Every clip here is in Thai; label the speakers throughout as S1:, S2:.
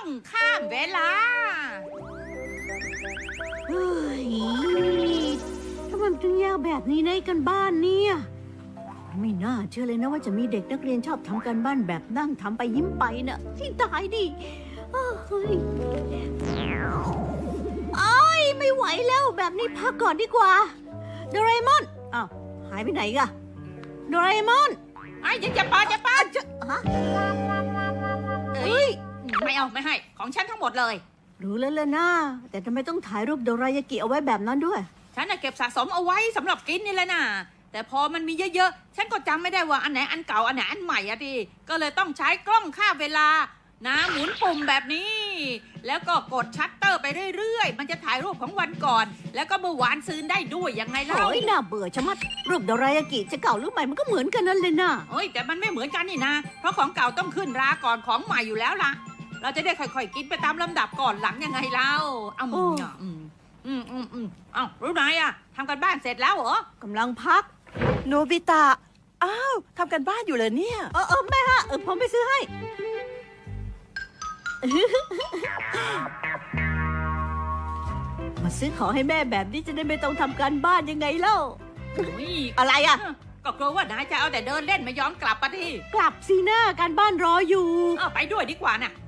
S1: องข้ามเวลา
S2: เฮ้ยทำไมมันถึงยากแบบนี้ในกันบ้านเนี่ยไม่น่าเชื่อเลยนะว่าจะมีเด็กนักเรียนชอบทำการบ้านแบบนั่งทำไปยิ้มไปน่ะที่ตายดิเฮ้ยไม่ไหวแล้วแบบนี้พักก่อนดีกว่าโดราเอมอนอ้าวหายไปไหนกะโดราเอมอน
S1: ไอ้ยังจะปา
S2: ฮะเฮ้ย
S1: ไม่เอาไม่ให้ของฉันทั้งหมดเลย
S2: รู้แล้วล่ะนะแต่ทำไมต้องถ่ายรูปโดรายากิเอาไว้แบบนั้นด้วย
S1: ฉันเก็บสะสมเอาไว้สำหรับกินนี่แหละนะแต่พอมันมีเยอะๆฉันก็จำไม่ได้ว่าอันไหนอันเก่าอันไหนอันใหม่อะดิก็เลยต้องใช้กล้องค่าเวลานะหมุนปุ่มแบบนี้แล้วก็กดชัตเตอร์ไปเรื่อยๆมันจะถ่ายรูปของวันก่อนแล้วก็เมื่อวานซืนได้ด้วยยังไงเล่า
S2: โอ้ยน่าเบื่อชะมัดรูปโดรายากิจะเก่าหรือใหม่มันก็เหมือนกันนั่นเลยนะ
S1: เฮ้ยแต่มันไม่เหมือนกันนี่นะเพราะของเก่าต้องขึ้นราก่อนของใหม่อยู่แล้วล่ะเราจะได้ค่อยๆกินไปตามลำดับก่อนหลังยังไงเล่ารู้ไหมอะทำกันบ้านเสร็จแล้วเหร
S2: อกำลังพัก
S3: โนบิตะอ้าวทำกันบ้านอยู่เลยเนี่ย
S2: แม่ฮะผมไปซื้อให้มาซื้อของให้แม่แบบนี้จะได้ไม่ต้องทำการบ้านยังไงเล่าอะไรอ่ะ
S1: ก็กลัวว่านายจะเอาแต่เดินเล่นไม่ยอมกลับปะที่
S2: กลับสิหน้าการบ้านรออยู่
S1: ไปด้วยดีกว่าน่ะ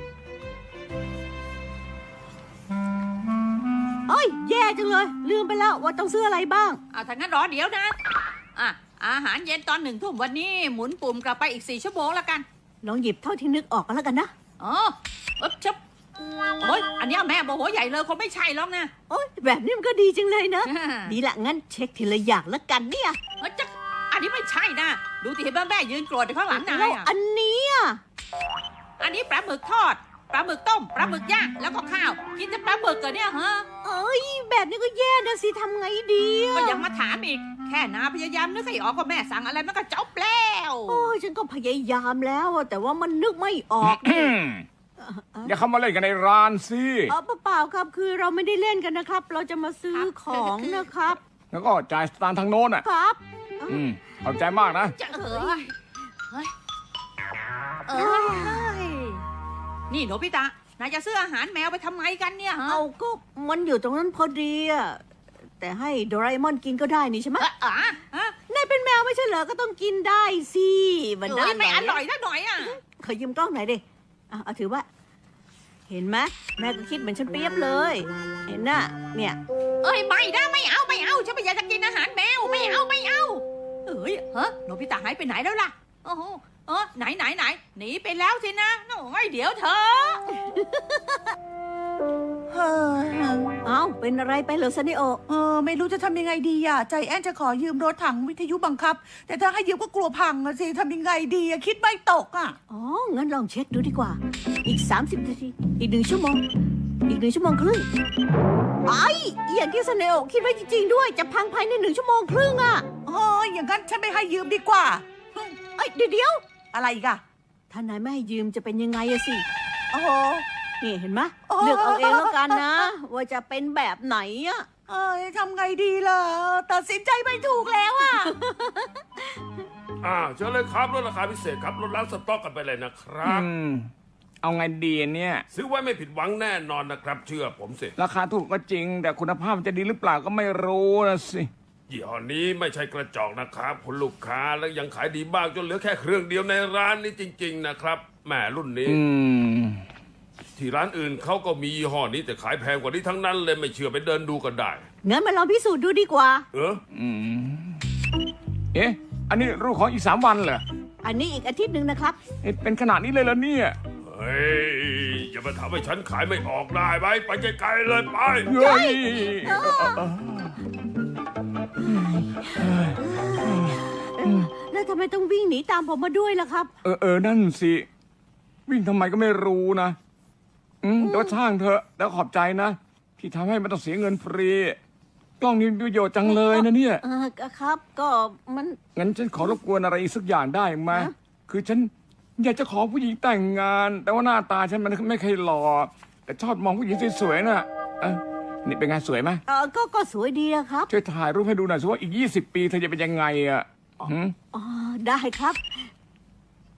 S2: แย่จังเลยลืมไปแล้วว่าต้องซื้ออะไรบ้าง
S1: ถ้างั้นรอเดี๋ยวนะอาหารเย็นตอน1 ทุ่มวันนี้หมุนปุ่มกลับไปอีก4 ชั่วโมงแล้วกัน
S2: ลองหยิบเท่าที่นึกออกกันแล้วกันนะ
S1: ชับโอ้ยอันนี้แม่โมโหใหญ่เลยคงไม่ใช่หรอกนะ
S2: แบบนี้มันก็ดีจังเลยนะดีละงั้นเช็คทีละอย่างแล้วกันเนี่ย
S1: อันนี้ไม่ใช่นะดูที่แม่ยืนโกรธอยู่ข้างหลังนาย
S2: อันนี้
S1: อันนี้ปลาหมึกทอดปลาหมึกต้มปลาหมึกย่างแล้วก็ข้าวกินแต่ปลาหมึกเหรอเนี่ยฮะ
S2: แบบนี้ก็แย่นะสิทำไงดี
S1: ก็ยังมาถามอีกแค่นาพยายามนึกให้ออกว่าแม่สั่งอะไรมันก็จบแล้ว
S2: ฉันก็พยายามแล้วแต่ว่ามันนึกไม่ออก
S4: อย่าเข้ามาเล่นกันในร้านสิ
S2: เปล่าครับคือเราไม่ได้เล่นกันนะครับเราจะมาซื้อของนะครับ
S4: แล้วก็จ่ายสตางค์ทางโน้น
S2: ครับ
S4: ขอบใจมากนะ
S1: นี่โนบิตะนายจะซื้ออาหารแมวไปทำไมกันเนี่ย
S2: ก็มันอยู่ตรงนั้นพอดีแต่ให้โดราเอมอนกินก็ได้นี่ใช่ไหมนายเป็นแมวไม่ใช่เหรอก็ต้องกินได้สิ
S1: มันได้ไม่อร่อยสักหน่อย
S2: ขอยืมกล้องหน่อยดิเอาถือว่าเห็นไหมแม่ก็คิดเหมือนฉันเปรียบเลยเห็นน่ะเนี่ย
S1: ไม่ได้ไม่เอาฉันไม่อยากจะกินอาหารแมวไม่เอาโนบิตะหายไปไหนแล้วล่ะไหนหนีไปแล้วสินะเดี๋ยวเธอ
S2: เป็นอะไรไปเหรอซันนิโอ
S3: ไม่รู้จะทำยังไงดีใจแอนจะขอยืมรถถังวิทยุบังคับแต่ถ้าให้ยืมก็กลัวพังสิทำยังไงดีคิดไม่ตก
S2: งั้นลองเช็คดูดีกว่าอีก30 นาทีอีก1 ชั่วโมงอีก1 ชั่วโมงครึ่งอย่างที่ซันนิโอคิดไว้จริงๆด้วยจะพังภายใน1 ชั่วโมงครึ่ง
S3: อย่างนั้นฉันไม่ให้ยืมดีกว่า
S2: เดี๋ยว
S3: อะไรอีก
S2: ถ้านายไม่ให้ยืมจะเป็นยังไงสินี่เห็นไหมเลือกเอาเองแล้วกันนะว่าจะเป็นแบบไหน
S3: ทำไงดีล่ะตัดสินใจไม่ถูกแล้ว
S5: เชิญเลยครับลดราคาพิเศษครับลดล้างสต็อกกันไปเลยนะครับ
S4: เอาไงดีเนี่ย
S5: ซื้อไว้ไม่ผิดหวังแน่นอนนะครับเชื่อผมสิ
S4: ราคาถูกก็จริงแต่คุณภาพมันจะดีหรือเปล่าก็ไม่รู้นะสิ
S5: ยี่ห้อนี้ไม่ใช่กระจอกนะครับคุณลูกค้าแล้วยังขายดีบ้างจนเหลือแค่เครื่องเดียวในร้านนี้จริงๆนะครับแหมรุ่นนี้ที่ร้านอื่นเขาก็มียี่ห้อนี้แต่ขายแพงกว่านี้ทั้งนั้นเลยไม่เชื่อไปเดินดูกันได้
S2: งั้นมาลองพิสูจน์ดูดีกว่า
S4: อันนี้รูปของอีก3 วันเหรอ
S2: อันนี้อีกอาทิตย์นึงนะครับ
S4: เป็นขนาดนี้เลยเหรอเนี่ย
S5: อย่ามาทำให้ฉันขายไม่ออกได้ไหมไปไกลๆเลยไป
S2: แล้วทำไมต้องวิ่งหนีตามผมมาด้วยล่ะครับ
S4: นั่นสิวิ่งทำไมก็ไม่รู้นะแต่ว่าช่างเถอะแล้วขอบใจนะที่ทำให้มันต้องเสียเงินฟรีกล้องนี้มีประโยชน์จังเลยนะเนี่ย
S2: ครับก็มัน
S4: งั้นฉันขอรบกวนอะไรอีกสักอย่างได้ไหมคือฉันอยากจะขอผู้หญิงแต่งงานแต่ว่าหน้าตาฉันมันไม่เคยหล่อแต่ชอบมองผู้หญิงสวยๆน่ะนี่เป็นไงสวยไหม
S2: ก็สวยดีนะครับ
S4: ช่วยถ่ายรูปให้ดูหน่อยสิว่าอีก20 ปีเธอจะเป็นยังไง
S2: ได้ครับ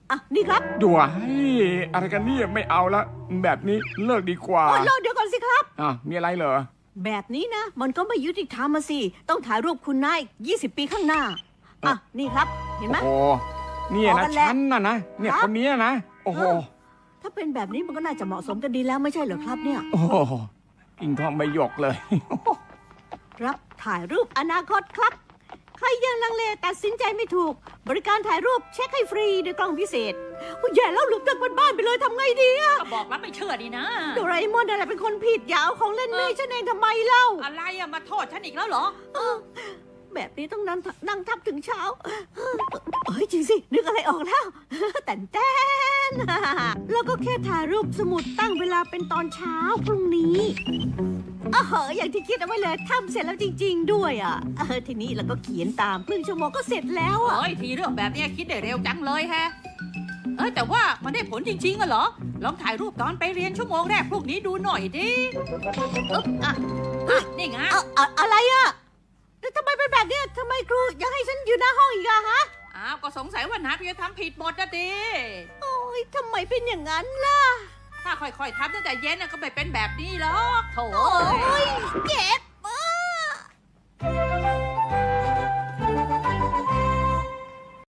S2: อ่ะนี่ครับ
S4: ด้วยอะไรกันเนี่ยไม่เอาละแบบนี้เลิกดีกว่า
S2: โอ้ยรอเดี๋ยวก่อนสิครับ
S4: มีอะไรเหรอ
S2: แบบนี้นะ มันก็ไม่ยุติธรรมมาสิ ต้องถ่ายรูปคุณนาย20 ปีข้างหน้า อ่ะ นี่ครับ เห็นไหม
S4: โอ้เนี่ย
S2: พอกั
S4: นะ
S2: นแล้ว
S4: ฉันน่ะนะเนี่ย
S2: ครับ
S4: คนนี้นะโอ้โห
S2: ถ้าเป็นแบบนี้มันก็น่าจะเหมาะสมกันดีแล้วไม่ใช่เหรอครับเนี่ย
S4: โอ้โหกิ่งทองใบหยกเลย
S2: รับถ่ายรูปอนาคตครับ ใครยังลังเลตัดสินใจไม่ถูก บริการถ่ายรูปเช็คให้ฟรีด้วยกล้องพิเศษอุ๊ยแย่แล้วหลุดจากบ้านไปเลยทำไงดีอะ
S1: ก็บอกแล้วไม่เชื่อดีนะ
S2: โดราเอมอนอะไรเป็นคนผิดอย่าเอาของเล่นแม่ฉันเองทำไมเล่า
S1: อะไรอะมาโทษฉันอีกแล้วเหรอ
S2: แบบนี้ต้องนั่งทับถึงเช้า เฮ้ยจริงสิ นึกอะไรออกแล้ว แต่นแล้วก็แค่ถ่ายรูปสมุดตั้งเวลาเป็นตอนเช้าพรุ่งนี้อย่างที่คิดเอาไว้เลยทำเสร็จแล้วจริง ๆ ด้วยอ่ะทีนี้เราก็เขียนตามครึ่งชั่วโมงก็เสร็จแล้วอ่ะ
S1: เอ้ยทีเรื่องแบบเนี้ยคิดได้เร็วจังเลยแฮะ แต่ว่ามันได้ผลจริงๆอะเหรอ ลองถ่ายรูปตอนไปเรียนชั่วโมงแรกพวกนี้ดูหน่อยดิอึ๊บนี่ไง
S2: อะไรอ่ะแล้วทำไมเป็นแบบเนี้ยทำไมครูยังให้ฉันอยู่หน้าห้องอีกอะฮะ
S1: อ้าวก็สงสัยว่านัดจะทำผิดหมดนะดิ
S2: โอ้ยทำไมเป็นอย่างนั้นล่ะ
S1: ถ้าค่อยๆทำตั้งแต่เย็นน่ะก็ไม่เป็นแบบนี้หรอกโถ่
S2: โอ้ยเจ็บ